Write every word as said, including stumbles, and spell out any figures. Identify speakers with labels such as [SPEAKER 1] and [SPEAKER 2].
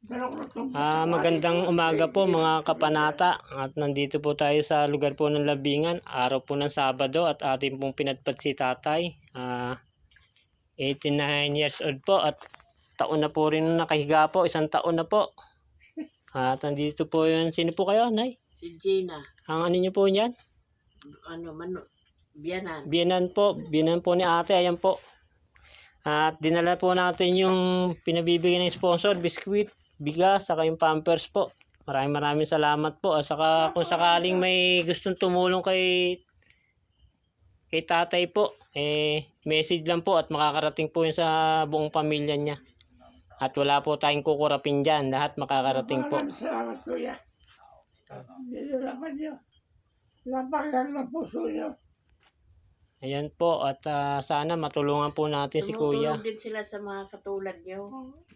[SPEAKER 1] Ah, magandang umaga po mga kapanata. At nandito po tayo sa lugar po ng Labingan. Araw po ng Sabado at ating pong pinadpad si tatay. Ah, eighty-nine years old po at taon na po rin nakahiga po. Isang taon na po. At nandito po yun. Sino po kayo, Nay?
[SPEAKER 2] Si Gina.
[SPEAKER 1] Ang ano niyo po yan?
[SPEAKER 2] Ano, mano, biyanan.
[SPEAKER 1] Biyanan po. Biyanan po ni ate. Ayan po. At dinala po natin yung pinabibigay ng sponsor, biskwit, bigas, saka yung pampers po. Maraming maraming salamat po. At saka kung sakaling may gustong tumulong kay kay tatay po, eh message lang po at makakarating po yun sa buong pamilya niya. At wala po tayong kukurapin dyan. Lahat makakarating po.
[SPEAKER 3] Salamat kuya. Nilalaman niyo. Labagan ng puso niyo.
[SPEAKER 1] Ayan po. At uh, sana matulungan po natin si kuya.
[SPEAKER 2] Tumutulong din sila sa mga katulad niyo.